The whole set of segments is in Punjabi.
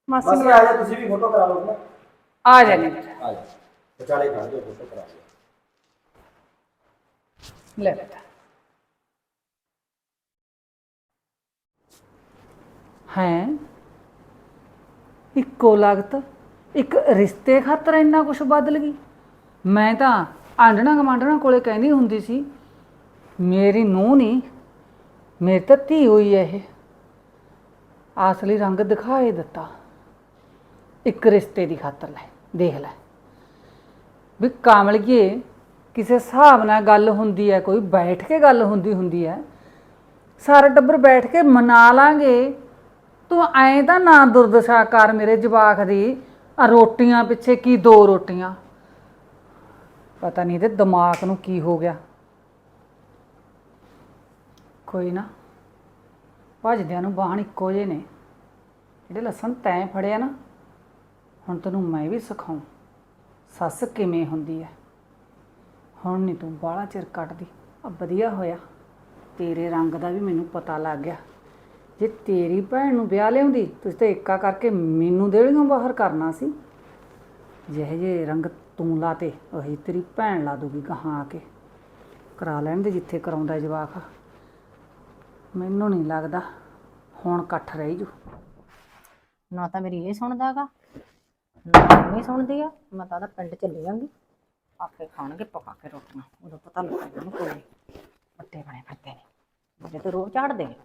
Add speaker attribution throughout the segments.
Speaker 1: ਮਾਸੀ
Speaker 2: ਮਾਸੀ ਆ ਜਾ, ਤੁਸੀਂ ਵੀ ਫੋਟੋ ਕਰਾ ਲਓ ਨਾ।
Speaker 1: ਆ ਜਾਣੀ
Speaker 2: ਆ ਜਾ, ਵਿਚਾਲੇ ਖੜ ਜਾਓ, ਫੋਟੋ ਕਰਾ ਲਓ।
Speaker 1: ਲੈ ਬੇਟਾ। ਹੈ ਇੱਕੋ ਲਗਤ ਇੱਕ ਰਿਸ਼ਤੇ ਖਾਤਰ ਇੰਨਾ ਕੁਝ ਬਦਲ ਗਈ। ਮੈਂ ਤਾਂ ਆਂਢਣਾ ਗਮਾਂਢਣਾ ਕੋਲੇ ਕਹਿੰਦੀ ਹੁੰਦੀ ਸੀ ਮੇਰੀ ਨੂੰਹ ਨਹੀਂ, ਮੇਰੀ ਤਾਂ ਧੀ ਹੋਈ ਹੈ ਇਹ। ਅਸਲੀ ਰੰਗ ਦਿਖਾਏ ਦਿੱਤਾ ਇੱਕ ਰਿਸ਼ਤੇ ਦੀ ਖਾਤਰ। ਲੈ ਦੇਖ ਲੈ ਵੀ ਕਾਮਲੀਏ, ਕਿਸੇ ਹਿਸਾਬ ਨਾਲ ਗੱਲ ਹੁੰਦੀ ਹੈ, ਕੋਈ ਬੈਠ ਕੇ ਗੱਲ ਹੁੰਦੀ ਹੈ, ਸਾਰਾ ਟੱਬਰ ਬੈਠ ਕੇ ਮਨਾ ਲਾਂਗੇ। ਤੂੰ ਐਂ ਤਾਂ ਨਾ ਦੁਰਦਸ਼ਾ ਕਰ ਮੇਰੇ ਜਵਾਕ ਦੀ। ਆ ਰੋਟੀਆਂ ਪਿੱਛੇ ਕੀ 2 ਰੋਟੀਆਂ, ਪਤਾ ਨਹੀਂ ਇਹਦੇ ਦਿਮਾਗ ਨੂੰ ਕੀ ਹੋ ਗਿਆ। ਕੋਈ ਨਾ, ਭੱਜਦਿਆਂ ਨੂੰ ਬਾਹਣ ਇੱਕੋ ਜਿਹੇ ਨੇ। ਜਿਹੜੇ ਲੱਸਣ ਤੈਂ ਫੜਿਆ ਨਾ, ਹੁਣ ਤੈਨੂੰ ਮੈਂ ਵੀ ਸਿਖਾਉਂ ਸੱਸ ਕਿਵੇਂ ਹੁੰਦੀ ਹੈ। ਹੁਣ ਨਹੀਂ ਤੂੰ ਬਾਹਲਾ ਚਿਰ ਕੱਟਦੀ। ਆ ਵਧੀਆ ਹੋਇਆ ਤੇਰੇ ਰੰਗ ਦਾ ਵੀ ਮੈਨੂੰ ਪਤਾ ਲੱਗ ਗਿਆ। ਜੇ ਤੇਰੀ ਭੈਣ ਨੂੰ ਵਿਆਹ ਲਿਆਉਂਦੀ, ਤੁਸੀਂ ਤਾਂ ਏਕਾ ਕਰਕੇ ਮੈਨੂੰ ਦੇਲੀਆਂ ਬਾਹਰ ਕਰਨਾ ਸੀ। ਜਿਹੇ ਜੇ ਰੰਗ ਤੂੰ ਲਾਤੇ ਉਹੀ ਤੇਰੀ ਭੈਣ ਲਾ ਦੂਗੀ ਗਾਹਾਂ ਆ ਕੇ। ਕਰਾ ਲੈਣ ਦੇ ਜਿੱਥੇ ਕਰਾਉਂਦਾ ਜਵਾਕ। ਮੈਨੂੰ ਨਹੀਂ ਲੱਗਦਾ ਹੁਣ ਇਕੱਠ ਰਹਿ ਜੂ।
Speaker 3: ਨਾ ਤਾਂ ਮੇਰੀ ਇਹ ਸੁਣਦਾਗਾ, ਨਾ ਨਹੀਂ ਸੁਣਦੀ ਆ। ਮੈਂ ਤਾਂ ਪਿੰਡ ਚਲੀ ਜਾਂਗੀ, ਆਪੇ ਖਾਣਗੇ ਪਕਾ ਕੇ ਰੋਟੀਆਂ। ਉਦੋਂ ਪਤਾ ਲੱਗੇਗਾ ਨਾ ਕੋਈ ਪੱਤੇ ਬਣੇ ਫਿਰਦੇ ਨੇ, ਮੁਝੇ ਤਾਂ ਰੋਹ ਝਾੜਦੇ ਨੇ।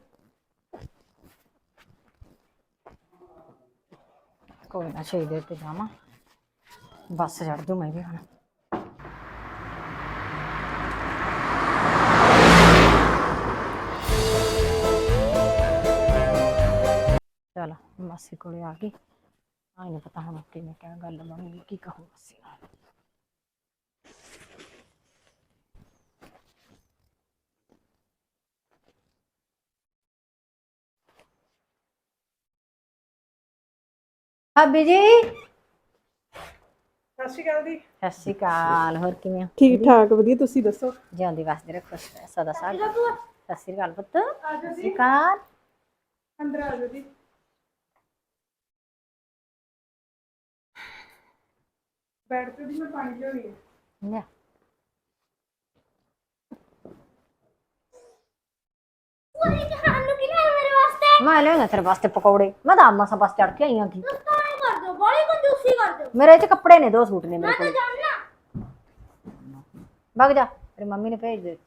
Speaker 3: ਕੋਈ ਨਾ 6 ਦੇਰ ਤੇ ਜਾਵਾਂ, ਬੱਸ ਚੜ ਜੂ ਮੈਂ ਵੀ ਹੁਣ। ਚਲ ਮਾਸੀ ਕੋਲੇ ਆ ਗਈ। ਆਈ ਨਹੀਂ ਪਤਾ ਹੁਣ ਕਿਵੇਂ ਕਿਆ ਗੱਲ ਬਣੂਗੀ, ਕੀ ਕਹੂ ਮਾਸੀ ਨਾਲ। ਭਾਬੀ ਜੀ
Speaker 1: ਸਤਿ ਸ਼੍ਰੀ ਅਕਾਲ ਦੀ।
Speaker 3: ਸਤਿ ਸ਼੍ਰੀ ਅਕਾਲ। ਹੋਰ ਕਿਵੇਂ ਹੋ?
Speaker 1: ਠੀਕ ਠਾਕ ਵਧੀਆ, ਤੁਸੀਂ ਦੱਸੋ?
Speaker 3: ਜਿਉਂਦੀ ਵਸਦੇ ਰਹੋ, ਖੁਸ਼ ਰਹਿ ਸਦਾ ਸਾਗ। ਸਤਿ ਸ਼੍ਰੀ ਅਕਾਲ ਪੁੱਤ। ਸਤਿ ਸ਼੍ਰੀ ਅਕਾਲ।
Speaker 1: ਅੰਦਰ ਆ ਜਾਓ ਜੀ। ਬੈਠ ਤੇ ਦੀ ਮੈਂ ਪਾਣੀ ਲਿਆਉਣੀ ਹੈ।
Speaker 3: ਲੈ ਮੈਂ ਲਿਆਉਣਾ ਤੇਰੇ ਵਾਸਤੇ ਪਕੌੜੇ। ਮੈਂ ਤਾਂ ਮਸਾਂ ਬਸ ਚੜ ਕੇ ਆਈ ਆਂ। ਮੇਰੇ ਚ ਕੱਪੜੇ ਨੇ, 2 ਸੂਟ ਨੇ ਮੇਰੇ ਕੋਲ। ਵਗ ਜਾ, ਤੇਰੀ ਮੰਮੀ ਨੇ ਭੇਜ ਦੇ।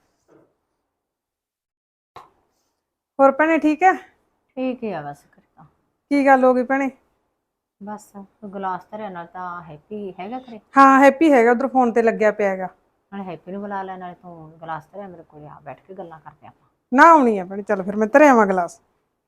Speaker 1: ਹੋਰ ਭੈਣੇ ਠੀਕ ਹੈ?
Speaker 3: ਠੀਕ ਹੀ ਆ ਬਸ ਕਰਤਾ।
Speaker 1: ਕੀ ਗੱਲ ਹੋ ਗਈ ਭੈਣੇ?
Speaker 3: ਬਸ ਤੂੰ ਗਲਾਸ ਧਰਿਆ, ਨਾਲ ਤਾਂ ਹੈਪੀ ਹੈਗਾ ਘਰੇ।
Speaker 1: ਹਾਂ ਹੈਪੀ ਹੈਗਾ, ਉਧਰ ਫੋਨ ਤੇ ਲੱਗਿਆ ਪਿਆ ਹੈਗਾ।
Speaker 3: ਨਾਲੇ ਹੈਪੀ ਨੂੰ ਬੁਲਾ ਲੈ, ਨਾਲੇ ਤੂੰ ਗਲਾਸ ਧਰਿਆ ਮੇਰੇ ਕੋਲ। ਆ ਬੈਠ ਕੇ ਗੱਲਾਂ ਕਰਦੇ ਆਪਾਂ।
Speaker 1: ਨਾ ਆਉਣੀ ਆ ਭੈਣੇ, ਚੱਲ ਫਿਰ ਮੈਂ ਧਰਿਆ ਆਵਾਂ ਗਲਾਸ।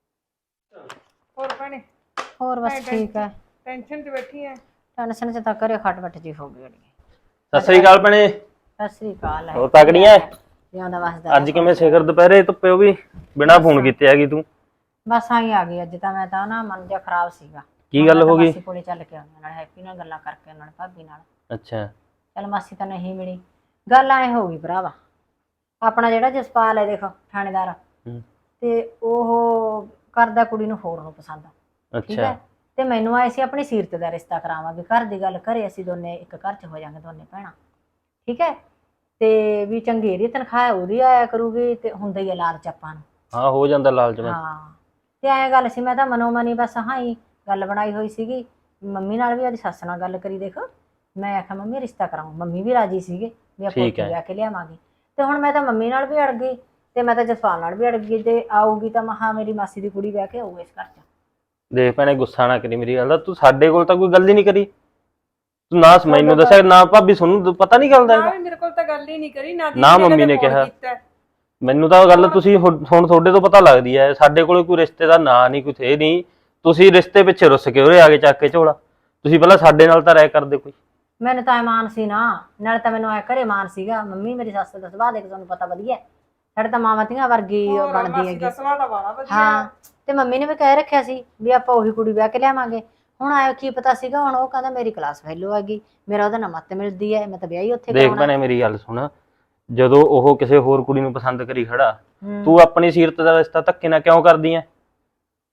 Speaker 1: ਹੋਰ ਭੈਣੇ?
Speaker 3: ਹੋਰ ਬਸ ਠੀਕ ਹੈ।
Speaker 1: ਟੈਨਸ਼ਨ 'ਚ ਬੈਠੀ ਐ?
Speaker 3: ਟੈਨਸ਼ਨ ਚ ਤਾਂ ਘਰੇ ਖੱਟ ਬੱਟ ਜੀ ਹੋ ਗਈ ਅੜੀਏ।
Speaker 4: ਸਤਿ ਸ੍ਰੀ ਅਕਾਲ ਭੈਣੇ।
Speaker 3: ਸਤਿ ਸ੍ਰੀ ਅਕਾਲ।
Speaker 4: ਹੋਰ ਤਕੜੀਆਂ?
Speaker 3: ਜਿਉਂਦਾ ਵਸਦਾ।
Speaker 4: ਅੱਜ ਕਿਵੇਂ ਸਿਖਰ ਦੁਪਹਿਰੇ ਧੁੱਪੇ ਉਹ ਵੀ ਬਿਨਾਂ ਫੋਨ ਕੀਤੇ ਹੈਗੀ ਤੂੰ?
Speaker 3: ਬਸ ਆਈ ਆ ਗਈ ਅੱਜ ਤਾਂ। ਮੈਂ ਤਾਂ ਨਾ ਮਨ ਜਿਹਾ ਖਰਾਬ ਸੀਗਾ।
Speaker 4: ਕੀ ਗੱਲ ਹੋ ਗਈ?
Speaker 3: ਮਾਸੀ ਕੋਲੇ ਚੱਲ ਕੇ ਆਉਂਦੀ, ਨਾਲ ਹੈਪੀ ਨਾਲ ਗੱਲਾਂ ਕਰਕੇ, ਨਾਲ ਭਾਬੀ ਨਾਲ।
Speaker 4: ਅੱਛਾ।
Speaker 3: ਚੱਲ ਮਾਸੀ ਤਾਂ ਨਹੀਂ ਮਿਲੀ। ਗੱਲ ਐ ਹੋ ਗਈ ਭਰਾਵਾ, ਆਪਣਾ ਜਿਹੜਾ ਜਸਪਾਲ ਹੈ ਦੇਖ ਥਾਣੇਦਾਰ, ਤੇ ਉਹ ਕਰਦਾ ਕੁੜੀ ਨੂੰ ਹੋਰ ਨੂੰ ਪਸੰਦ। ਠੀਕ ਹੈ। ਤੇ ਮੈਨੂੰ ਆਏ ਸੀ ਆਪਣੀ ਸੀਰਤ ਦਾ ਰਿਸ਼ਤਾ ਕਰਾਵਾਂਗੇ। ਘਰ ਦੀ ਗੱਲ ਘਰੇ, ਅਸੀਂ ਦੋਨੇ ਇੱਕ ਘਰ 'ਚ ਹੋ ਜਾਾਂਗੇ, ਦੋਨੇ ਭੈਣਾਂ। ਠੀਕ ਹੈ। ਤੇ ਵੀ ਚੰਗੇਰੀ ਤਨਖਾਹ ਉਹਦੀ ਆਇਆ ਕਰੂਗੀ, ਤੇ ਹੁੰਦਾ ਹੀ ਆ ਲਾਲਚ ਆਪਾਂ ਨੂੰ।
Speaker 4: ਹਾਂ ਹੋ ਜਾਂਦਾ ਲਾਲਚ ਮੈਂ।
Speaker 3: ਹਾਂ ਤੇ ਐਂ ਗੱਲ ਸੀ, ਮੈਂ ਤਾਂ ਮਨੋ ਮਨੀ ਬਸ ਹੀ ਗੱਲ ਬਣਾਈ ਹੋਈ ਸੀਗੀ। ਮੰਮੀ ਨਾਲ ਵੀ, ਉਹਦੀ ਸੱਸ ਨਾਲ ਗੱਲ ਕਰੀ ਦੇਖ। ਮੈਂ ਆਖਿਆ ਮੰਮੀ ਰਿਸ਼ਤਾ ਕਰਾਉਂ। ਮੰਮੀ ਵੀ ਰਾਜੀ ਸੀਗੇ ਵੀ ਆਪਾਂ ਉੱਥੇ ਵਿਆਹ ਕੇ ਲਿਆਵਾਂਗੇ। ਤੇ ਹੁਣ ਮੈਂ ਤਾਂ ਮੰਮੀ ਨਾਲ ਵੀ ਅੜ ਗਈ, ਤੇ ਮੈਂ ਤਾਂ ਜਸਪਾਲ ਨਾਲ ਵੀ ਅੜ ਗਈ। ਤੇ ਆਊਗੀ ਤਾਂ ਮਹਾ ਮੇਰੀ ਮਾਸੀ ਦੀ ਕੁੜੀ ਵਿਆਹ ਕੇ ਆਊ ਇਸ ਘਰ 'ਚ।
Speaker 4: ਦੇਖ ਭੈਣੇ, ਗੁੱਸਾ ਨਾ ਕਰੀ ਮੇਰੀ ਗੱਲ ਦਾ। ਤੂੰ ਸਾਡੇ ਕੋਲ ਤਾਂ ਕੋਈ ਗੱਲ ਹੀ ਨਹੀਂ ਕਰੀ। ਤੂੰ ਨਾ ਮੈਨੂੰ ਦੱਸਿਆ, ਨਾ ਭਾਬੀ ਤੁਹਾਨੂੰ ਪਤਾ ਨਹੀਂ ਗੱਲ ਦਾ।
Speaker 1: ਮੇਰੇ ਕੋਲ ਤਾਂ ਗੱਲ ਹੀ ਨਹੀਂ ਕਰੀ,
Speaker 4: ਨਾ ਮੰਮੀ ਨੇ ਕਿਹਾ। ਮੈਨੂੰ ਤਾਂ ਗੱਲ ਤੁਸੀਂ ਹੁਣ ਤੁਹਾਡੇ ਤੋਂ ਪਤਾ ਲੱਗਦੀ ਹੈ। ਸਾਡੇ ਕੋਲ ਕੋਈ ਰਿਸ਼ਤੇ ਦਾ ਨਾਂ ਨਹੀਂ, ਕੁਛ ਇਹ ਨਹੀਂ। ਤੁਸੀਂ ਰਿਸ਼ਤੇ ਪਿੱਛੇ ਰੁੱਸ ਕੇ ਉਰੇ ਆ ਕੇ ਚੱਕ ਕੇ ਝੋਲਾ। ਤੁਸੀਂ ਪਹਿਲਾਂ ਸਾਡੇ ਨਾਲ ਤਾਂ ਰਾਏ ਕਰਦੇ ਕੋਈ।
Speaker 3: ਮੈਨੂੰ ਤਾਂ ਮਾਨ ਸੀ ਨਾ, ਨਾਲੇ ਤਾਂ ਮੈਨੂੰ ਐ ਘਰੇ ਮਾਨ ਸੀਗਾ। ਮੰਮੀ ਮੇਰੀ ਸੱਸ ਦਾ ਸੁਭਾਅ ਦੇਖ ਤੁਹਾਨੂੰ ਪਤਾ ਵਧੀਆ। ਸਾਡੇ ਤਾਂ ਮਾਵਾਂ ਧੀਆਂ ਵਰਗੀ ਬਣਦੀ ਹੈਗੀ। ਹਾਂ ਤੇ ਮੰਮੀ ਨੇ ਵੀ ਕਹਿ ਰੱਖਿਆ ਸੀ ਵੀ ਆਪਾਂ ਉਹੀ ਕੁੜੀ ਵਿਆਹ ਕੇ ਲਿਆਵਾਂਗੇ। ਹੁਣ ਆਇਆ ਕੀ ਪਤਾ ਸੀਗਾ, ਹੁਣ ਉਹ ਕਹਿੰਦਾ ਮੇਰੀ ਕਲਾਸ ਫੈਲੋ ਆ ਗਈ, ਮੇਰਾ ਉਹਦਾ ਨਾਲ ਮੱਤ ਮਿਲਦੀ ਹੈ, ਮੈਂ ਤਾਂ ਵਿਆਹ ਹੀ ਉੱਥੇ
Speaker 4: ਦੇਖ ਭੈਣੇ ਮੇਰੀ ਗੱਲ ਸੁਣ, ਜਦੋਂ ਉਹ ਕਿਸੇ ਹੋਰ ਕੁੜੀ ਨੂੰ ਪਸੰਦ ਕਰੀ ਖੜਾ, ਤੂੰ ਆਪਣੀ ਸੀਰਤ ਦਾ ਰਿਸ਼ਤਾ ਧੱਕੇ ਨਾਲ ਕਿਉਂ ਕਰਦੀ ਐ?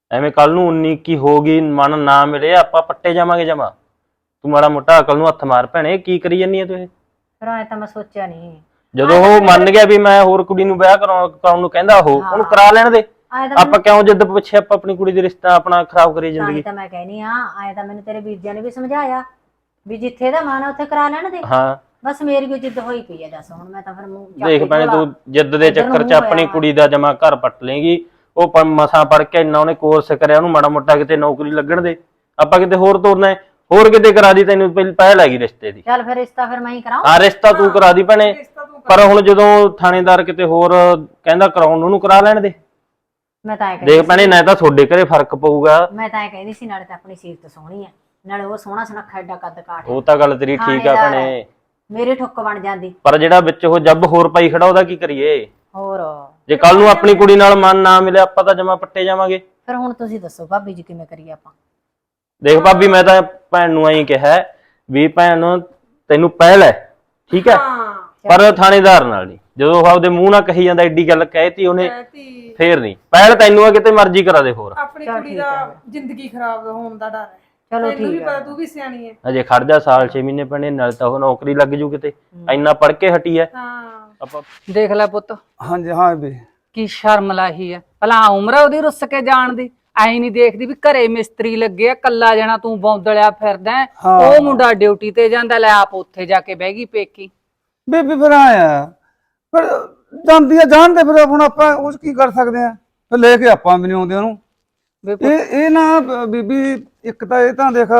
Speaker 4: ਐਵੇਂ ਕੱਲ ਨੂੰ 19 ਕੀ ਹੋ ਗਈ, ਮਨ ਨਾ ਮਿਲੇ, ਆਪਾਂ ਪੱਟੇ ਜਾਵਾਂਗੇ ਜਮਾ। ਤੂੰ ਮਾੜਾ ਮੋਟਾ ਅਕਲ ਨੂੰ ਹੱਥ ਮਾਰ ਭੈਣੇ, ਕੀ ਕਰੀ ਜਾਂਦੀ ਆ ਤੂੰ ਇਹ?
Speaker 3: ਫਿਰ ਐ ਤਾਂ ਮੈਂ ਸੋਚਿਆ ਨਹੀਂ।
Speaker 4: ਜਦੋਂ ਉਹ ਮੰਨ ਗਿਆ ਵੀ ਮੈਂ ਹੋਰ ਕੁੜੀ ਨੂੰ ਵਿਆਹ ਕਰਾਉਣ ਨੂੰ ਕਹਿੰਦਾ, ਉਹਨੂੰ ਕਰਾ ਲੈਣ ਦੇ।
Speaker 3: ਆਏ ਤਾਂ
Speaker 4: ਆਪਾਂ ਕਿਉਂ ਜਿੱਦ ਪਿੱਛੇ ਆਪਾਂ ਆਪਣੀ ਕੁੜੀ ਦੇ ਰਿਸ਼ਤਾ ਆਪਣਾ ਖਰਾਬ ਕਰੀ
Speaker 3: ਤਾਂ
Speaker 4: ਜ਼ਿੰਦਗੀ।
Speaker 3: ਹੀ ਤਾਂ ਮੈਂ ਕਹਿਨੀ ਆ, ਆਏ ਤਾਂ ਮੈਨੂੰ ਤੇਰੇ ਵੀਰ ਜੀ ਨੇ ਵੀ ਸਮਝਾਇਆ ਵੀ ਜਿੱਥੇ ਦਾ ਮਨ ਆ ਉੱਥੇ ਕਰਾ ਲੈਣ ਦੇ।
Speaker 4: ਹਾਂ
Speaker 3: ਬਸ ਮੇਰੀ ਵੀ ਜਿੱਦ ਹੋਈ ਪਈ ਆ। ਦੱਸ ਹੁਣ ਮੈਂ ਤਾਂ ਫਿਰ ਮੂੰਹ ਚੱਕ
Speaker 4: ਦੇਖ
Speaker 3: ਕੇ
Speaker 4: ਭੈਣੇ,
Speaker 3: ਝੋਲਾ
Speaker 4: ਤੂੰ ਜਿੱਦ ਦੇ
Speaker 3: ਇੱਧਰ ਨੂੰ
Speaker 4: ਚੱਕਰ 'ਚ
Speaker 3: ਮੂੰਹ
Speaker 4: ਆਪਣੀ
Speaker 3: ਹੋਇਆ
Speaker 4: ਕੁੜੀ ਦਾ ਜਮਾ ਘਰ ਪੱਟ ਲੇਗੀ। ਉਹ ਮਸਾਂ ਪੜ ਕੇ ਇੰਨਾ ਉਹਨੇ ਕੋਰਸ ਕਰਿਆ, ਉਹਨੂੰ ਮਾੜਾ ਮੋਟਾ ਕਿਤੇ ਨੌਕਰੀ ਲੱਗਣ ਦੇ। ਆਪਾਂ ਕਿਤੇ ਹੋਰ ਤੋਰਨਾ ਹੈ, ਹੋਰ ਕਿਤੇ ਕਰਾ ਦੀ, ਤੈਨੂੰ ਪਹਿਲ ਹੈਗੀ ਰਿਸ਼ਤੇ ਦੀ।
Speaker 3: ਚੱਲ ਫਿਰ ਰਿਸ਼ਤਾ ਫਿਰ ਮੈਂ ਹੀ ਕਰਾਉਂ।
Speaker 4: ਹਾਂ ਰਿਸ਼ਤਾ ਤੂੰ ਕਰਾ ਦੀ ਭੈਣੇ, ਪਰ ਹੁਣ ਜਦੋਂ ਥਾਣੇਦਾਰ ਕਿਤੇ ਹੋਰ ਕਹਿੰਦਾ ਕਰਾਉਣ ਨੂੰ, ਉਹਨੂੰ ਕਰਾ ਲੈਣ ਦੇ।
Speaker 3: ਮੈਂ ਤਾਂ ਐ ਕਹਿੰਦੀ
Speaker 4: ਦੇਖ ਭੈਣੇ, ਨਾ ਤਾਂ ਤੁਹਾਡੇ ਘਰੇ ਫਰਕ ਪਊਗਾ।
Speaker 3: ਮੈਂ ਤਾਂ ਐ ਕਹਿੰਦੀ ਸੀ ਨਾਲੇ ਤਾਂ ਆਪਣੀ ਸੀਰਤ ਸੋਹਣੀ ਆ, ਨਾਲੇ ਉਹ ਸੋਹਣਾ ਸੁਨੱਖਾ ਐਡਾ ਕੱਦ ਕਾਠ
Speaker 4: ਉਹ ਤਾਂ ਗੱਲ ਤੇਰੀ ਠੀਕ ਆ ਭੈਣੇ,
Speaker 3: ਮੇਰੇ ਠੁੱਕ ਬਣ ਜਾਂਦੀ।
Speaker 4: ਪਰ ਜਿਹੜਾ ਵਿੱਚ ਉਹ ਜੱਬ ਹੋਰ ਪਾਈ ਖੜਾ, ਉਹਦਾ ਕੀ ਕਰੀਏ?
Speaker 3: ਹੋਰ
Speaker 4: ਜੇ ਕੱਲ ਨੂੰ ਆਪਣੀ ਕੁੜੀ ਨਾਲ ਮਨ ਨਾ ਮਿਲੇ, ਆਪਾਂ ਤਾਂ ਜਮਾ ਪੱਟੇ ਜਾਵਾਂਗੇ।
Speaker 3: ਫਿਰ ਹੁਣ ਤੁਸੀਂ ਦੱਸੋ ਭਾਬੀ ਜੀ ਕਿਵੇਂ ਕਰੀਏ ਆਪਾਂ?
Speaker 4: ਦੇਖ ਭਾਬੀ, ਮੈਂ ਤਾਂ ਭੈਣ ਨੂੰ ਐਂ ਕਿਹਾ ਵੀ ਭੈਣ ਤੈਨੂੰ ਪਹਿਲ ਹੈ, ਠੀਕ ਹੈ, ਪਰ ਥਾਣੇਦਾਰ ਨਾਲ ਨਹੀਂ। ਜਦੋਂ ਉਹ ਆਪਦੇ ਮੂੰਹ ਨਾਲ ਕਹੀ ਜਾਂਦਾ, ਐਡੀ ਗੱਲ ਕਹਿਤੀ ਉਹਨੇ, ਫੇਰ ਨਹੀਂ। ਪਹਿਲ ਤੈਨੂੰ ਆ, ਕਿਤੇ ਮਰਜ਼ੀ ਕਰਾ ਦੇ ਹੋਰ।
Speaker 5: ਆਪਣੀ ਕੁੜੀ ਦਾ ਜ਼ਿੰਦਗੀ ਖਰਾਬ ਹੋਣ ਦਾ ਡਰ ਹੈ।
Speaker 3: ਚਲੋ
Speaker 5: ਤੈਨੂੰ ਵੀ
Speaker 3: ਠੀਕ
Speaker 5: ਪਤਾ,
Speaker 3: ਹੈ।
Speaker 5: ਤੂੰ ਵੀ ਸਿਆਣੀ ਹੈ।
Speaker 4: ਅਜੇ ਖੜ ਜਾ, ਸਾਲ 6 ਮਹੀਨੇ ਪੈਣੇ, ਨਾਲ ਤਾਂ ਉਹ ਨੌਕਰੀ ਲੱਗ ਜੂ ਕਿਤੇ। ਇੰਨਾ ਪੜ ਕੇ ਹਟੀ ਐ।
Speaker 5: ਹਾਂ
Speaker 4: ਆਪਾਂ
Speaker 1: ਦੇਖ ਲੈ ਪੁੱਤ,
Speaker 2: ਹਾਂਜੀ ਹਾਂ ਵੀ
Speaker 1: ਕੀ ਸ਼ਰਮ ਲਾਹੀ ਹੈ ਭਲਾ ਉਮਰ ਆ ਉਹਦੀ ਰੁੱਸ ਕੇ ਜਾਣ ਦੀ। ਐ ਨਹੀਂ ਦੇਖਦੀ ਵੀ ਘਰੇ ਮਿਸਤਰੀ ਲੱਗੇ ਆ, ਕੱਲਾ ਜਣਾ ਤੂੰ ਬੌਂਦਲਿਆ ਫਿਰਦਾ ਹੈ। ਉਹ ਮੁੰਡਾ ਡਿਊਟੀ ਤੇ ਜਾਂਦਾ, ਲੈ ਆਪ ਉੱਥੇ ਜਾ ਕੇ ਬਹਿ ਗਈ ਪੇਕੀ।
Speaker 6: ਬੀਬੀ ਫਿਰ ਆਇਆ ਫਿਰ ਜਾਂਦੀ ਆ ਜਾਣ ਤੇ, ਫਿਰ ਹੁਣ ਆਪਾਂ ਉਹ 'ਚ ਕੀ ਕਰ ਸਕਦੇ ਆ? ਫਿਰ ਲੈ ਕੇ ਆਪਾਂ ਵੀ ਨਹੀਂ ਆਉਂਦੇ ਉਹਨੂੰ। ਇਹ ਨਾ ਬੀਬੀ, ਇੱਕ ਤਾਂ ਇਹ ਤਾਂ ਦੇਖ,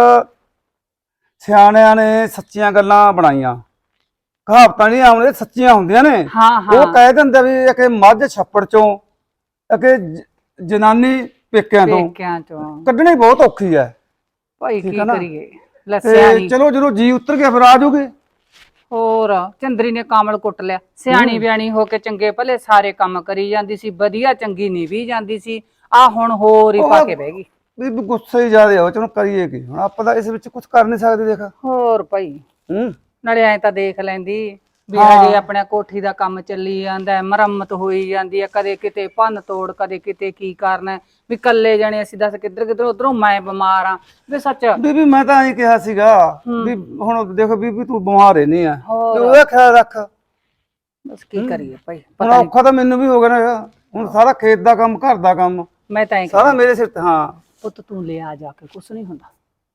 Speaker 6: ਸਿਆਣਿਆਂ ਨੇ ਸੱਚੀਆਂ ਗੱਲਾਂ ਬਣਾਈਆਂ, ਕਹਾਵਤਾਂ ਨਹੀਂ ਆਉਂਦੇ, ਸੱਚੀਆਂ ਹੁੰਦੀਆਂ ਨੇ।
Speaker 1: ਹਾਂ
Speaker 6: ਉਹ ਕਹਿ ਦਿੰਦੇ ਵੀ ਕਿ ਮੱਝ ਛੱਪੜ ਚੋਂ, ਕਿ ਜਨਾਨੀ ਪੇਕਿਆਂ ਤੋਂ
Speaker 1: ਪੇਕਿਆਂ ਚੋਂ
Speaker 6: ਕੱਢਣੀ ਬਹੁਤ ਔਖੀ ਹੈ।
Speaker 1: ਭਾਈ ਕੀ
Speaker 6: ਠੀਕ ਆ ਨਾ?
Speaker 1: ਕਰੀਏ, ਲੱਸਿਆ
Speaker 6: ਤੇ
Speaker 1: ਨਹੀਂ।
Speaker 6: ਚਲੋ ਜਦੋਂ ਜੀ ਉਤਰ ਗਿਆ ਫਿਰ ਆ ਜਾਊਗੀ।
Speaker 1: ਹੋਰ ਚੰਦਰੀ ਨੇ ਕਾਮਲ ਕੁੱਟ ਲਿਆ। ਸਿਆਣੀ ਬਿਆਣੀ ਹੋ ਕੇ ਚੰਗੇ ਭਲੇ ਸਾਰੇ ਕੰਮ ਕਰੀ ਜਾਂਦੀ ਸੀ, ਵਧੀਆ ਚੰਗੀ ਨਿਭੀ ਜਾਂਦੀ ਸੀ। ਆ ਹੁਣ ਹੋਰ ਹੀ ਪਾ ਕੇ ਬਹਿ ਗਈ।
Speaker 6: ਬੀਬੀ ਗੁੱਸੇ ਹੀ ਜ਼ਿਆਦਾ ਹੋ, ਚਲੋ ਕਰੀਏ ਕੀ ਹੁਣ? ਆਪਾਂ ਤਾਂ ਇਸ ਵਿੱਚ ਕੁਝ ਕਰ ਨਹੀਂ ਸਕਦੇ। ਦੇਖ
Speaker 1: ਹੋਰ ਭਾਈ,
Speaker 6: ਹੂੰ
Speaker 1: ਨਾਲੇ ਐ ਤਾਂ ਦੇਖ ਲੈਂਦੀ ਵੀ ਹਜੇ ਆਪਣਾ ਕੋਠੀ ਦਾ ਕੰਮ ਚੱਲੀ ਜਾਂਦਾ, ਮੁਰੰਮਤ ਹੋਈ ਜਾਂਦੀ ਹੈ, ਕਦੇ ਕਿਤੇ ਭੰਨ ਤੋੜ, ਕਦੇ ਕਿਤੇ ਕੀ ਕਰਨਾ। ਵੀ ਕੱਲੇ ਜਾਣੇ ਅਸੀਂ ਦੱਸ ਕਿੱਧਰ ਉਧਰੋਂ ਮੈਂ ਬਿਮਾਰ ਆ ਵੀ ਸੱਚ।
Speaker 6: ਬੀਬੀ ਮੈਂ ਤਾਂ ਐਂ ਕਿਹਾ ਸੀਗਾ ਵੀ ਹੁਣ ਦੇਖੋ ਬੀਬੀ, ਤੂੰ ਬਿਮਾਰ ਰਹਿਨੀ ਆ, ਤੇ ਉਹਦਾ ਖਿਆਲ ਰੱਖ।
Speaker 1: ਬਸ ਕੀ ਕਰੀਏ ਭਾਈ,
Speaker 6: ਹੁਣ ਔਖਾ ਤਾਂ ਮੈਨੂੰ ਵੀ ਹੋ ਗਿਆ ਨਾ, ਹੁਣ ਸਾਰਾ ਖੇਤ ਦਾ ਕੰਮ, ਘਰ ਦਾ ਕੰਮ,
Speaker 1: ਮੈਂ ਤਾਂ ਐਂ
Speaker 6: ਸਾਰਾ ਮੇਰੇ ਸਿਰ ਤੇ। ਹਾਂ
Speaker 1: ਪੁੱਤ ਤੂੰ ਲਿਆ ਜਾ ਕੇ, ਕੁਛ ਨਹੀਂ ਹੁੰਦਾ।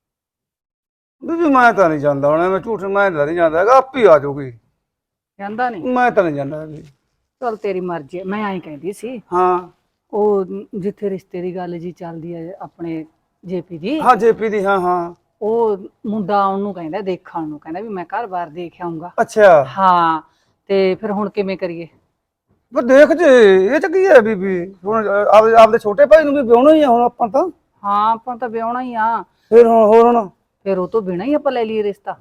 Speaker 6: ਬੀਬੀ ਮੈਂ ਤਾਂ ਨਹੀਂ ਜਾਂਦਾ, ਹੁਣ ਮੈਂ ਝੂਠ ਮੈਂ ਤਾਂ ਨਹੀਂ ਜਾਂਦਾ ਹੈਗਾ, ਆਪੇ ਆ ਜਾਊਗੀ।
Speaker 1: ਜਾਂਦਾ ਨਹੀਂ?
Speaker 6: ਮੈਂ ਤਾਂ ਨਹੀਂ ਜਾਂਦਾ ਹੈਗੀ।
Speaker 1: ਚਲ ਤੇਰੀ ਮਰਜ਼ੀ ਹੈ। ਮੈਂ ਐਂ ਕਹਿੰਦੀ ਸੀ,
Speaker 6: ਹਾਂ
Speaker 1: ਉਹ ਜਿੱਥੇ ਰਿਸ਼ਤੇ ਦੀ ਗੱਲ ਜੀ ਚੱਲਦੀ ਹੈ ਆਪਣੇ ਜੇਪੀ ਦੀ,
Speaker 6: ਹਾਂ ਜੇਪੀ ਦੀ, ਹਾਂ ਹਾਂ
Speaker 1: ਉਹ ਮੁੰਡਾ ਉਹਨੂੰ ਕਹਿੰਦਾ ਦੇਖਣ ਨੂੰ, ਕਹਿੰਦਾ ਵੀ ਮੈਂ ਘਰ-ਬਾਰ ਦੇਖ ਆਊਂਗਾ।
Speaker 6: ਅੱਛਾ।
Speaker 1: ਹਾਂ, ਤੇ ਫਿਰ ਹੁਣ ਕਿਵੇਂ ਕਰੀਏ?
Speaker 6: ਪਰ ਦੇਖ ਜੇ ਇਹ ਚ ਕੀ ਹੈ ਬੀਬੀ, ਹੁਣ ਆਪਦੇ ਛੋਟੇ ਭਾਈ ਨੂੰ ਵੀ ਵਿਆਹਣਾ ਹੀ ਆ ਹੁਣ ਆਪਾਂ ਤਾਂ।
Speaker 1: ਹਾਂ ਆਪਾਂ ਤਾਂ ਵਿਆਹਣਾ ਹੀ ਆ,
Speaker 6: ਫਿਰ ਹੁਣ ਹੋਰ ਹੁਣ
Speaker 1: ਫਿਰ ਉਹ ਤੋਂ ਬਿਨਾਂ ਹੀ ਆਪਾਂ ਲੈ ਲਈਏ ਰਿਸ਼ਤਾ।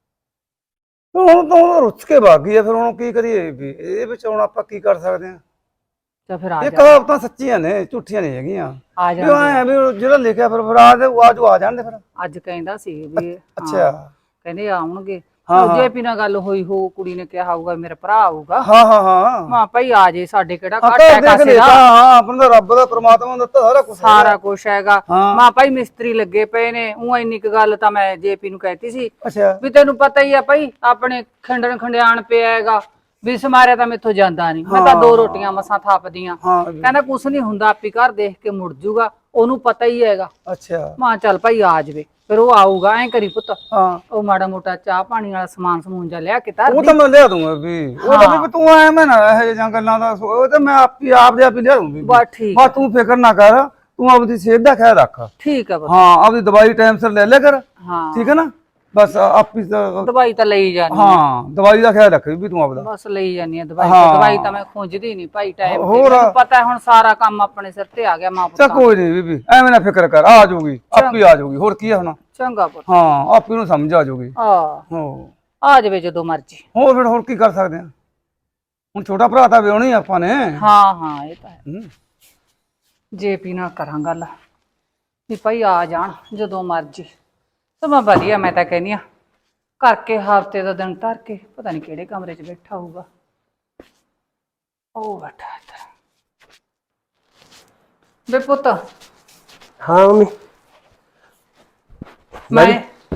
Speaker 6: ਹੁਣ ਤਾਂ ਉਹ ਰੁੱਸ ਕੇ ਭੱਗ ਗਈ ਆ, ਫਿਰ ਹੁਣ ਕੀ ਕਰੀਏ ਵੀ? ਇਹਦੇ ਵਿੱਚ ਹੁਣ ਆਪਾਂ ਕੀ ਕਰ ਸਕਦੇ ਆ?
Speaker 1: ਤਾਂ ਫਿਰ ਆ
Speaker 6: ਇਹ
Speaker 1: ਜਾ,
Speaker 6: ਕਹਾਵਤਾਂ ਸੱਚੀਆਂ ਨੇ, ਝੂਠੀਆਂ ਨਹੀਂ ਹੈਗੀਆਂ।
Speaker 1: ਆ
Speaker 6: ਵੀ
Speaker 1: ਜਾ।
Speaker 6: ਐ ਵੀ ਜਿਹੜਾ ਲਿਖਿਆ ਫਿਰ ਆ ਜੋ ਆ ਜਾਣ ਦੇ ਫਿਰ।
Speaker 1: ਅੱਜ ਕਹਿੰਦਾ ਸੀ ਵੀ
Speaker 6: ਅੱਛਾ।
Speaker 1: ਕਹਿੰਦੇ ਆਉਣਗੇ।
Speaker 6: ਹਾਂ।
Speaker 1: ਜੇਪੀ ਨਾਲ ਗੱਲ ਹੋਈ ਹੋ, ਕੁੜੀ ਨੇ ਕਿਹਾ ਹੋਊਗਾ ਮੇਰਾ ਭਰਾ ਆਊਗਾ।
Speaker 6: ਹਾਂ ਹਾਂ ਹਾਂ
Speaker 1: ਮਾਂ ਭਾਈ ਆ ਜੇ, ਸਾਡੇ ਕਿਹੜਾ ਘੱਟ
Speaker 6: ਘਰ
Speaker 1: ਹੈ
Speaker 6: ਦੇਖ
Speaker 1: ਕਾਸੇ
Speaker 6: ਲਿਆ।
Speaker 1: ਦਾ,
Speaker 6: ਹਾਂ ਆਪਣਾ ਤਾਂ ਰੱਬ ਦਾ, ਪ੍ਰਮਾਤਮਾ ਦਾ ਦਿੱਤਾ ਸਾਰਾ ਕੁਝ।
Speaker 1: ਸਾਰਾ ਕੁਛ ਹੈਗਾ।
Speaker 6: ਹਾਂ।
Speaker 1: ਮਾਂ ਭਾਈ ਮਿਸਤਰੀ ਲੱਗੇ ਪਏ ਨੇ। ਉਹ ਇੰਨੀ ਕੁ ਗੱਲ ਤਾਂ ਮੈਂ ਜੇਪੀ ਨੂੰ ਕਹਿਤੀ ਸੀ
Speaker 6: ਅੱਛਾ।
Speaker 1: ਵੀ ਤੈਨੂੰ ਪਤਾ ਹੀ ਆ ਭਾਈ, ਆਪਣੇ ਖੰਡਣ ਖੰਡਿਆਣ ਪਿਆ ਹੈਗਾ, ਵੀ ਸਮਾਰਿਆ ਤਾਂ ਮੈਥੋਂ ਜਾਂਦਾ ਨਹੀਂ, ਮੈਂ ਤਾਂ 2 ਰੋਟੀਆਂ ਮਸਾਂ ਥੱਪਦੀਆਂ।
Speaker 6: ਹਾਂ
Speaker 1: ਕਹਿੰਦਾ ਕੁਛ ਨਹੀਂ ਹੁੰਦਾ, ਆਪੀ ਘਰ ਦੇਖ ਕੇ ਮੁੜ ਜੂਗਾ, ਉਹਨੂੰ ਪਤਾ ਹੀ ਹੈਗਾ।
Speaker 6: ਅੱਛਾ।
Speaker 1: ਮਾਂ ਚੱਲ ਭਾਈ ਆ ਜਾਵੇ, ਫਿਰ ਉਹ ਆਊਗਾ। ਐਂ ਕਰੀ ਪੁੱਤ,
Speaker 6: ਹਾਂ
Speaker 1: ਉਹ ਮਾੜਾ ਮੋਟਾ ਚਾਹ ਪਾਣੀ ਵਾਲਾ ਸਮਾਨ ਸਮੂਨ ਜਾ ਲਿਆ ਕੇ ਧਰ
Speaker 6: ਉਹ
Speaker 1: ਦੀ।
Speaker 6: ਤਾਂ ਮੈਂ ਲਿਆ ਦੂੰਗਾ ਵੀ, ਉਹ ਤਾਂ ਵੀ ਤੂੰ ਐ ਮੈਂ ਨਾ ਇਹ ਜਿਹੀਆਂ ਗੱਲਾਂ ਦਾ, ਉਹ ਤਾਂ ਮੈਂ ਆਪ ਦੇ ਆਪ ਹੀ ਲਿਆ ਦੂੰਗੀ।
Speaker 1: ਬਸ ਠੀਕ
Speaker 6: ਬਸ ਤੂੰ ਫਿਕਰ ਨਾ ਕਰ, ਤੂੰ ਆਪਦੀ ਸਿਹਤ ਦਾ ਖਿਆਲ ਰੱਖ।
Speaker 1: ਠੀਕ ਹੈ ਪੁੱਤ।
Speaker 6: ਹਾਂ ਆਪਦੀ ਦਵਾਈ ਟਾਈਮ ਸਿਰ ਲੈ ਲਿਆ ਕਰ,
Speaker 1: ਹਾਂ
Speaker 6: ਠੀਕ ਹੈ ਨਾ? ਬਸ ਆਪੀ
Speaker 1: ਦਵਾਈ ਤਾਂ ਲਈ ਜਾਨੀ,
Speaker 6: ਹਾਂ ਦਵਾਈ ਦਾ ਖਿਆਲ ਰੱਖ ਵੀ ਤੂੰ ਆਪਦਾ।
Speaker 1: ਬਸ ਲਈ ਜਾਨੀ ਆ ਦਵਾਈ।
Speaker 6: ਹਾਂ।
Speaker 1: ਦਵਾਈ ਤਾਂ ਮੈਂ ਖੁੰਝਦੀ ਨਹੀਂ ਭਾਈ ਟਾਈਮ ਤੇ,
Speaker 6: ਹੋਰ।
Speaker 1: ਮੈਨੂੰ ਪਤਾ ਹੁਣ ਸਾਰਾ ਕੰਮ ਆਪਣੇ ਸਿਰ ਤੇ ਆ ਗਿਆ ਮਾਂ
Speaker 6: ਚੱਲ
Speaker 1: ਪੁੱਤਾਂ।
Speaker 6: ਕੋਈ ਨਹੀਂ ਬੀਬੀ, ਐਵੇਂ ਨਾ ਫਿਕਰ ਕਰ, ਆ ਜਾਊਗੀ, ਆਪੀ ਆ ਜਾਊਗੀ। ਹੋਰ ਕੀ ਹੈ ਹੁਣ?
Speaker 1: ਚੰਗਾ ਪੁੱਤ।
Speaker 6: ਹਾਂ ਆਪੀ ਨੂੰ ਸਮਝ ਆ ਜਾਊਗੀ। ਹੋ
Speaker 1: ਆ ਜਾਵੇ ਜਦੋਂ ਮਰਜੀ।
Speaker 6: ਹੋਰ ਫਿਰ ਹੋਰ ਕੀ ਕਰ ਸਕਦੇ ਆ? ਹੁਣ ਛੋਟਾ ਭਰਾ ਤਾਂ ਵਿਆਹਣਾ ਹੀ ਆਪਾਂ ਨੇ।
Speaker 1: ਹਾਂ ਹਾਂ ਇਹ ਤਾਂ ਹੈ।
Speaker 6: ਹੂੰ।
Speaker 1: ਜੇਪੀ ਨਾਲ ਕਰਾਂ ਗੱਲ ਵੀ ਭਾਈ ਆ ਜਾਣ ਜਦੋਂ ਮਰਜੀ। ਸਮਾਂ ਵਧੀਆ, ਮੈਂ ਤਾਂ ਕਹਿੰਦੀ ਆ ਕਰਕੇ ਹਫ਼ਤੇ ਦਾ ਦਿਨ ਧਰ ਕੇ, ਪਤਾ ਨਹੀਂ ਕਿਹੜੇ ਕਮਰੇ 'ਚ ਬੈਠਾ ਹੋਊਗਾ। ਉਹ ਬੈਠਾ ਇੱਧਰ। ਵੇ ਪੁੱਤ
Speaker 2: ਹਾਂ ਮੰਮੀ
Speaker 1: ਮੈਂ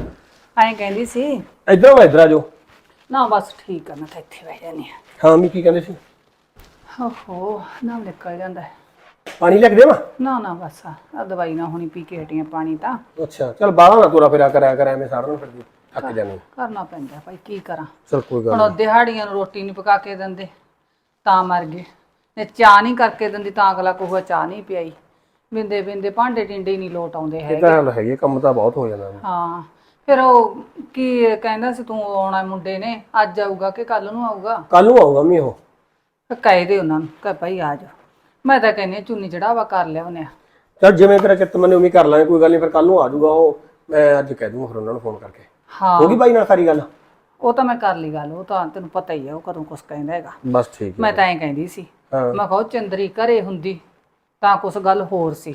Speaker 1: ਐਂ ਕਹਿੰਦੀ ਸੀ
Speaker 2: ਇੱਧਰ ਆ ਇੱਧਰ ਆ ਜਾਓ।
Speaker 1: ਨਾ ਬਸ ਠੀਕ ਆ, ਮੈਂ ਤਾਂ ਇੱਥੇ ਬਹਿ ਜਾਂਦੀ
Speaker 2: ਹਾਂ ਮੰਮੀ ਕੀ ਕਹਿੰਦੇ ਸੀ?
Speaker 1: ਆ। ਓਹੋ ਨਾ ਨਿਕਲ ਜਾਂਦਾ ਹੈ।
Speaker 2: ਪਾਣੀ ਲੈ ਕੇ ਦੇਵਾਂ?
Speaker 1: ਨਾ ਬਸ ਆ ਦਵਾਈ ਨਾ ਹੁਣੀ ਪੀ ਕੇ ਹਟੀਆਂ ਪਾਣੀ ਤਾਂ
Speaker 2: ਅੱਛਾ ਚੱਲ ਬਾਹਰ ਨਾ ਤੁਰਾ ਫਿਰਿਆ ਕਰਿਆ ਕਰ, ਐਵੇਂ ਸਾਰਾ ਦਿਨ ਫਿਰਦੀ ਥੱਕ ਜਾਣੀ।
Speaker 1: ਕਰਨਾ ਪੈਂਦਾ ਭਾਈ, ਕੀ ਕਰਾਂ।
Speaker 2: ਚਲ ਕੋਈ ਗੱਲ
Speaker 1: ਹੁਣ ਉਹ ਦਿਹਾੜੀਆਂ ਨੂੰ ਰੋਟੀ ਨਹੀਂ ਪਕਾ ਕੇ ਦਿੰਦੇ ਤਾਂ ਮਰ ਗਏ, ਤੇ ਚਾਹ ਨਹੀਂ ਕਰਕੇ ਦਿੰਦੀ ਤਾਂ ਅਗਲਾ ਕਹੂਗਾ ਚਾਹ ਨਹੀਂ ਪਿਆਈ। ਬਿੰਦੇ ਬਿੰਦੇ ਭਾਂਡੇ ਟਿੰਡੇ ਹੀ ਨਹੀਂ ਲੋਟ ਆਉਂਦੇ
Speaker 2: ਇਹ
Speaker 1: ਹੈਗੇ।
Speaker 2: ਤਾਂ ਗੱਲ ਹੈਗੀ, ਕੰਮ ਤਾਂ ਬਹੁਤ ਹੋ ਜਾਂਦਾ।
Speaker 1: ਹਾਂ ਫਿਰ ਉਹ ਕੀ ਕਹਿੰਦਾ ਸੀ ਤੂੰ ਆਉਣਾ ਮੁੰਡੇ ਨੇ, ਅੱਜ ਆਊਗਾ ਕਿ ਕੱਲ ਨੂੰ ਆਊਗਾ?
Speaker 2: ਕੱਲ ਨੂੰ ਆਊਗਾ ਮੰਮੀ ਉਹ।
Speaker 1: ਕਹਿ ਦੇ ਉਹਨਾਂ ਨੂੰ ਕਿ ਭਾਈ ਆ ਜਾ। ਮੈਂ ਤਾਂ ਕਹਿੰਦੀ ਹਾਂ ਚੁੰਨੀ ਚੜਾਵਾ ਕਰ ਲਿਆ ਉਹਨੇ।
Speaker 2: ਚੱਲ ਜਿਵੇਂ ਤੇਰਾ ਚਿੱਤ ਮੰਨੇ ਉਵੇਂ ਕਰ ਲਾਂਗੇ, ਕੋਈ ਗੱਲ ਨਹੀਂ। ਫਿਰ ਕੱਲ ਨੂੰ ਆ ਜਾਊਗਾ ਉਹ, ਮੈਂ ਅੱਜ ਕਹਿ ਦੂੰਗਾ ਫਿਰ ਉਹਨਾਂ ਨੂੰ ਫੋਨ ਕਰਕੇ।
Speaker 1: ਹਾਂ
Speaker 2: ਹੋ ਗਈ ਬਾਈ ਨਾਲ ਸਾਰੀ ਗੱਲ?
Speaker 1: ਉਹ ਤਾਂ ਮੈਂ ਕਰ ਲਈ ਗੱਲ, ਉਹ ਤਾਂ ਤੈਨੂੰ ਪਤਾ ਹੀ ਹੈ ਉਹ ਕਦੋਂ ਕੁਛ ਕਹਿੰਦਾ ਹੈਗਾ।
Speaker 2: ਬਸ ਠੀਕ ਹੈ।
Speaker 1: ਮੈਂ ਤਾਂ ਐਂ ਕਹਿੰਦੀ ਸੀ,
Speaker 2: ਹਾਂ
Speaker 1: ਮੈਂ ਕਿਹਾ ਉਹ ਚੰਦਰੀ ਘਰੇ ਹੁੰਦੀ ਤਾਂ ਕੁਛ ਗੱਲ ਹੋਰ ਸੀ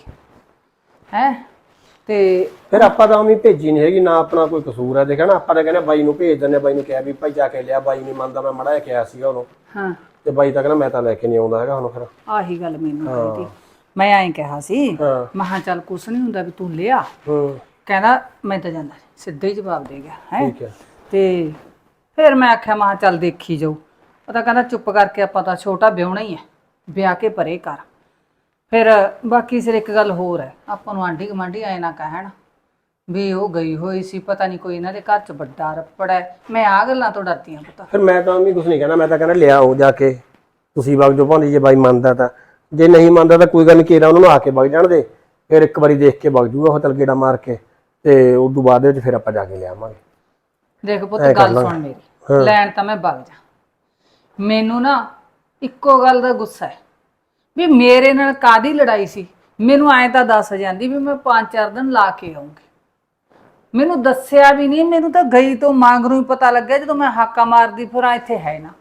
Speaker 1: ਹੈ। ਤੇ
Speaker 2: ਫਿਰ ਆਪਾਂ ਤਾਂ ਉਵੇਂ ਭੇਜੀ ਨਹੀਂ ਹੈਗੀ, ਨਾ ਆਪਣਾ ਕੋਈ ਕਸੂਰ ਹੈ। ਦੇਖਿਆ ਨਾ, ਆਪਾਂ ਤਾਂ ਕਹਿੰਦੇ ਬਾਈ ਨੂੰ ਭੇਜ ਦਿੰਦੇ, ਬਾਈ ਨੂੰ ਕਿਹਾ ਵੀ ਭਾਈ ਜਾ ਕੇ ਲਿਆ। ਬਾਈ ਨਹੀਂ ਮੰਨਦਾ, ਮੈਂ ਮੜਾ ਜਿਹਾ ਕਿਹਾ ਸੀਗਾ ਉਹਨੂੰ,
Speaker 1: ਹਾਂ
Speaker 2: ਤੇ ਬਾਈ ਤਾਂ ਕਹਿੰਦਾ ਮੈਂ ਤਾਂ ਲੈ ਕੇ ਨਹੀਂ ਆਉਂਦਾ ਹੈਗਾ ਹੁਣ। ਫਿਰ
Speaker 1: ਆਹੀ ਗੱਲ ਮੈਨੂੰ ਕਹੀ ਤੀ। ਮੈਂ ਐਂ ਕਿਹਾ ਸੀ,
Speaker 2: ਹਾਂ
Speaker 1: ਮੈਂ ਕਿਹਾ ਚੱਲ ਕੁਛ ਨਹੀਂ ਹੁੰਦਾ ਵੀ ਤੂੰ ਲਿਆ।
Speaker 2: ਹੂੰ
Speaker 1: ਕਹਿੰਦਾ ਮੈਂ ਤਾਂ ਜਾਂਦਾ ਨੀ। ਸਿੱਧਾ ਹੀ ਜਵਾਬ ਦੇ ਗਿਆ ਹੈ।
Speaker 2: ਠੀਕ ਹੈ।
Speaker 1: ਤੇ ਫਿਰ ਮੈਂ ਆਖਿਆ ਮੈਂ ਕਿਹਾ ਚੱਲ ਦੇਖੀ ਜਾਊ। ਉਹ ਤਾਂ ਕਹਿੰਦਾ ਚੁੱਪ ਕਰਕੇ ਆਪਾਂ ਤਾਂ ਛੋਟਾ ਵਿਆਹੁਣਾ ਹੀ ਹੈ, ਵਿਆਹ ਕੇ ਪਰੇ ਕਰ। ਫਿਰ ਬਾਕੀ ਸਿਰ ਇੱਕ ਗੱਲ ਹੋਰ ਹੈ, ਆਪਾਂ ਨੂੰ ਆਂਢੀ ਗੁਆਂਢੀ ਆਏ ਨਾ ਕਹਿਣ ਵੀ ਉਹ ਗਈ ਹੋਈ ਸੀ, ਪਤਾ ਨਹੀਂ ਕੋਈ ਇਹਨਾਂ ਦੇ ਘਰ 'ਚ ਵੱਡਾ ਰੱਪੜ ਹੈ। ਮੈਂ ਆ ਗੱਲਾਂ ਤੋਂ ਡਰਦੀ ਹਾਂ ਪਤਾ।
Speaker 2: ਫਿਰ ਮੈਂ ਤਾਂ ਵੀ ਕੁਝ ਨਹੀਂ ਕਹਿਣਾ, ਮੈਂ ਤਾਂ ਕਹਿੰਦਾ ਲਿਆਓ ਜਾ ਕੇ ਤੁਸੀਂ ਵਗ ਜੋ ਭਾਂਦੀ, ਜੇ ਬਾਈ ਮੰਨਦਾ ਤਾਂ। ਜੇ ਨਹੀਂ ਮੰਨਦਾ ਤਾਂ ਕੋਈ ਗੱਲ ਨਹੀਂ, ਕੇਰਾ ਉਹਨਾਂ ਨੂੰ ਆ ਕੇ ਵਗ ਜਾਣ ਦੇ। ਫਿਰ ਇੱਕ ਵਾਰੀ ਦੇਖ ਕੇ ਵਗ ਜੂਗਾ ਉਹ, ਚੱਲ ਗੇੜਾ ਮਾਰ ਕੇ, ਤੇ ਉਸ ਤੋਂ ਬਾਅਦ ਦੇ ਵਿੱਚ ਫਿਰ ਆਪਾਂ ਜਾ ਕੇ ਲਿਆਵਾਂਗੇ।
Speaker 1: ਦੇਖ ਪੁੱਤ ਗੱਲ ਸੁਣ ਮੇਰੀ, ਲੈਣ ਤਾਂ ਮੈਂ ਵਗ ਜਾ। ਮੈਨੂੰ ਨਾ ਇੱਕੋ ਗੱਲ ਦਾ ਗੁੱਸਾ ਹੈ ਵੀ ਮੇਰੇ ਨਾਲ ਕਾਦੀ ਲੜਾਈ ਸੀ। ਮੈਨੂੰ ਐਂ ਤਾਂ ਦੱਸ ਜਾਂਦੀ ਵੀ ਮੈਂ 5-4 ਦਿਨ ਲਾ ਕੇ ਆਉਂਗੀ। ਮੈਨੂੰ ਦੱਸਿਆ ਵੀ ਨਹੀਂ, ਮੈਨੂੰ ਤਾਂ ਗਈ ਤੋਂ ਮੰਗਰੋਂ ਹੀ ਪਤਾ ਲੱਗਿਆ ਜਦੋਂ ਮੈਂ ਹਾਕਾ ਮਾਰਦੀ ਫਿਰ ਇੱਥੇ ਹੈ ਨਾ।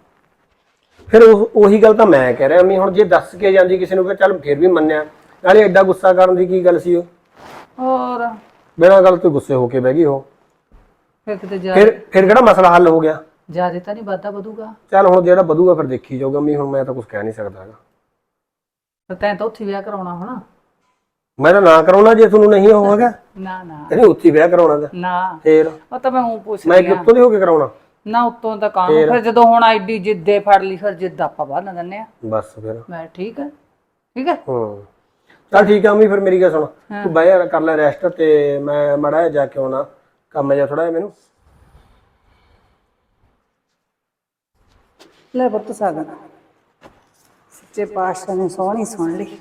Speaker 2: ਫਿਰ ਉਹੀ ਗੱਲ ਤਾਂ ਮੈਂ ਕਹਿ ਰਿਹਾ ਮੈਂ, ਹੁਣ ਜੇ ਦੱਸ ਕੇ ਜਾਂਦੀ ਕਿਸੇ ਨੂੰ ਫਿਰ ਚੱਲ ਫਿਰ ਵੀ ਮੰਨਿਆ, ਨਾਲੇ ਐਡਾ ਗੁੱਸਾ ਕਰਨ ਦੀ ਕੀ ਗੱਲ ਸੀ? ਉਹ
Speaker 1: ਹੋਰ
Speaker 2: ਬਿਨਾਂ ਗੱਲ ਤੋਂ ਗੁੱਸੇ ਹੋ ਕੇ ਬਹਿ ਗਈ ਉਹ।
Speaker 1: ਫਿਰ ਕਿਤੇ
Speaker 2: ਫਿਰ ਕਿਹੜਾ ਮਸਲਾ ਹੱਲ ਹੋ ਗਿਆ?
Speaker 1: ਜਿਆਦਾ ਤਾਂ ਨਹੀਂ ਵਾਧਾ ਵਧੂਗਾ।
Speaker 2: ਚੱਲ ਹੁਣ ਜਿਹੜਾ ਵਧੂਗਾ ਫਿਰ ਦੇਖੀ ਜਾਊਗਾ। ਮੈਂ ਹੁਣ ਮੈਂ ਤਾਂ ਕੁਝ ਕਹਿ ਨਹੀਂ ਸਕਦਾ ਹੈਗਾ।
Speaker 1: ਤਾਂ ਤੈਂ ਤਾਂ ਉੱਥੇ ਵਿਆਹ ਕਰਾਉਣਾ ਹੋਣਾ।
Speaker 2: ਮੈਂ ਤਾਂ ਨਾ ਕਰਾਉਣਾ ਜੇ ਤੁਹਾਨੂੰ ਨਹੀਂ ਉਹ ਹੈਗਾ।
Speaker 1: ਨਾ ਨਾ
Speaker 2: ਕਹਿੰਦੇ ਉੱਥੇ ਵਿਆਹ ਕਰਾਉਣਾ ਤਾਂ
Speaker 1: ਨਾ,
Speaker 2: ਫੇਰ
Speaker 1: ਉਹ ਤਾਂ ਮੈਂ ਉਹ ਪੁੱਛ
Speaker 2: ਮੈਂ
Speaker 1: ਰਹੀ ਹਾਂ।
Speaker 2: ਕਿੱਥੋਂ ਦੀ ਹੋ ਕੇ ਕਰਾਉਣਾ?
Speaker 1: ਨਾ ਉੱਤੋਂ ਤਾਂ ਕਾਹਨੂੰ, ਫਿਰ ਜਦੋਂ ਹੁਣ ਐਡੀ ਜਿੱਦੇ ਫੜ ਲਈ ਫਿਰ ਜਿੱਦ ਆਪਾਂ ਬਾਹਰ ਨਾ ਦਿੰਦੇ ਆ।
Speaker 2: ਬਸ ਫਿਰ
Speaker 1: ਮੈਂ ਠੀਕ ਹੈ ਠੀਕ ਹੈ।
Speaker 2: ਹੂੰ ਚੱਲ ਠੀਕ ਆ ਮੰਮੀ, ਫਿਰ ਮੇਰੀ ਗੱਲ ਸੁਣ, ਤੂੰ ਬਹਿ ਜਾ ਕਰ ਲੈ ਰੈਸਟ, ਤੇ ਮੈਂ ਮਾੜਾ ਜਿਹਾ ਜਾ ਕੇ ਆਉਣਾ, ਕੰਮ ਜਿਹਾ ਥੋੜਾ ਜਿਹਾ ਮੈਨੂੰ।
Speaker 1: ਲੈ ਪੁੱਤ ਸਾਗਨ, ਸੱਚੇ ਪਾਤਸ਼ਾਹ ਨੇ ਸੋਹਣੀ ਸੁਣ ਲਈ।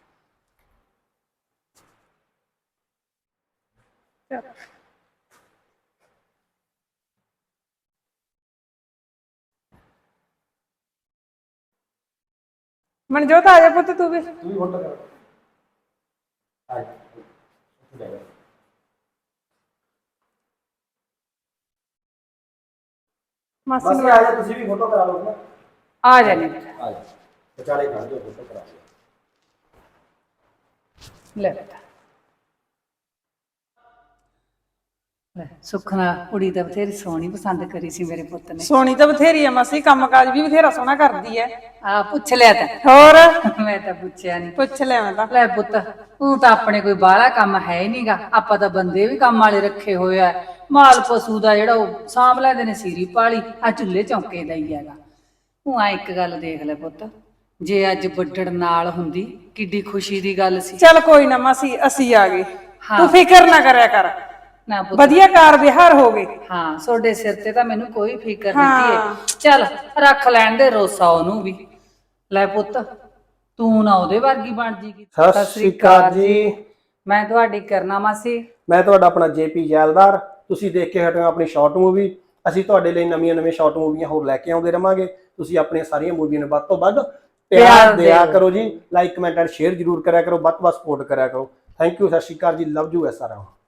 Speaker 5: ਮਨਜੋਤ ਆ ਜਾ ਪੁੱਤ ਤੂੰ ਵੀ। ਮਾਸੀ ਨੂੰ
Speaker 2: ਆ ਜਾ, ਤੁਸੀਂ ਵੀ ਫੋਟੋ ਕਰਾ ਲਓ ਨਾ।
Speaker 1: ਆ ਜਾਣੀ
Speaker 2: ਆ ਜਾ, ਵਿਚਾਲੇ ਖੜ ਜਾਓ, ਫੋਟੋ ਕਰਾ ਲਓ।
Speaker 1: ਲੈ ਬੇਟਾ ਲੈ। ਸੁਖਨਾ ਕੁੜੀ ਤਾਂ ਬਥੇਰੀ ਸੋਹਣੀ ਪਸੰਦ ਕਰੀ ਸੀ ਮੇਰੇ ਪੁੱਤ ਨੇ।
Speaker 5: ਸੋਹਣੀ ਤਾਂ ਬਥੇਰੀ ਆ ਮਾਸੀ, ਕੰਮ ਕਾਜ ਵੀ ਬਥੇਰਾ ਸੋਹਣਾ ਕਰਦੀ ਐ।
Speaker 1: ਆ ਪੁੱਛ ਲਿਆ ਤਾਂ?
Speaker 5: ਹੋਰ
Speaker 1: ਮੈਂ ਤਾਂ ਪੁੱਛਿਆ ਨਹੀਂ।
Speaker 5: ਪੁੱਛ ਲਿਆ ਮੈਂ ਤਾਂ।
Speaker 1: ਲੈ ਪੁੱਤ ਤੂੰ ਤਾਂ ਆਪਣੇ ਕੋਈ ਬਾਹਲਾ ਕੰਮ ਹੈ ਹੀ ਨਹੀਂਗਾ। ਆਪਾਂ ਤਾਂ ਬੰਦੇ ਵੀ ਕੰਮ ਵਾਲੇ ਰੱਖੇ ਹੋਏ ਆ। ਮਾਲ ਪਸ਼ੂ ਦਾ ਜਿਹੜਾ ਉਹ ਸਾਂਭ ਲੈਂਦੇ ਨੇ, ਸੀਰੀ ਪਾਲੀ ਆ ਚੁੱਲ੍ਹੇ ਚੌਂਕੇ ਦਾ ਹੀ ਹੈਗਾ। ਤੂੰ ਆ ਇੱਕ ਗੱਲ ਦੇਖ ਲੈ ਪੁੱਤ, ਜੇ ਅੱਜ ਵੱਡੜ ਨਾਲ ਹੁੰਦੀ ਕਿੱਡੀ ਖੁਸ਼ੀ ਦੀ ਗੱਲ ਸੀ।
Speaker 5: ਚੱਲ ਕੋਈ ਨਾ ਮਾਸੀ, ਅਸੀਂ ਆ ਗਏ, ਤੂੰ ਫਿਕਰ ਨਾ ਕਰਿਆ ਕਰ।
Speaker 1: ਨਾ ਪੁੱਤ,
Speaker 5: ਵਧੀਆ ਕਾਰ ਵਿਹਾਰ ਹੋ ਗਏ।
Speaker 1: ਹਾਂ ਤੁਹਾਡੇ ਸਿਰ ਤੇ ਤਾਂ ਮੈਨੂੰ ਕੋਈ ਫਿਕਰ ਨਹੀਂ ਹੈ। ਚੱਲ ਰੱਖ ਲੈਣ ਦੇ ਰੋਸਾ ਉਹਨੂੰ ਵੀ। ਲੈ ਪੁੱਤ ਤੂੰ ਨਾ ਉਹਦੇ ਵਰਗੀ ਬਣ ਜੀਗੀ।
Speaker 2: ਸਤਿ ਸ਼੍ਰੀ ਅਕਾਲ ਜੀ।
Speaker 1: ਮੈਂ ਤੁਹਾਡੀ ਕਰਨਾ ਮਾਸੀ।
Speaker 2: ਮੈਂ ਤੁਹਾਡਾ ਆਪਣਾ ਜੇਪੀ ਜੈਲਦਾਰ। ਤੁਸੀਂ ਦੇਖ ਕੇ ਹਟੇ ਹੋ ਆਪਣੀ ਸ਼ਾਰਟ ਮੂਵੀ। ਅਸੀਂ ਤੁਹਾਡੇ ਲਈ ਨਵੀਆਂ ਸ਼ਾਰਟ ਮੂਵੀਆਂ ਹੋਰ ਲੈ ਕੇ ਆਉਂਦੇ ਰਵਾਂਗੇ। ਤੁਸੀਂ ਆਪਣੀਆਂ ਸਾਰੀਆਂ ਮੂਵੀਆਂ ਨੂੰ ਵੱਧ ਤੋਂ ਵੱਧ ਪਿਆਰ ਦਿਆ ਕਰੋ ਜੀ। ਲਾਈਕ ਕਮੈਂਟ ਐਂਡ ਸ਼ੇਅਰ ਜ਼ਰੂਰ ਕਰਿਆ ਕਰੋ, ਵੱਧ ਤੋਂ ਵੱਧ ਸਪੋਰਟ ਕਰਿਆ ਕਰੋ। ਥੈਂਕ ਯੂ, ਸਤਿ ਸ਼੍ਰੀ ਅਕਾਲ ਜੀ, ਲਵ ਯੂ ਐਸ ਆਰ।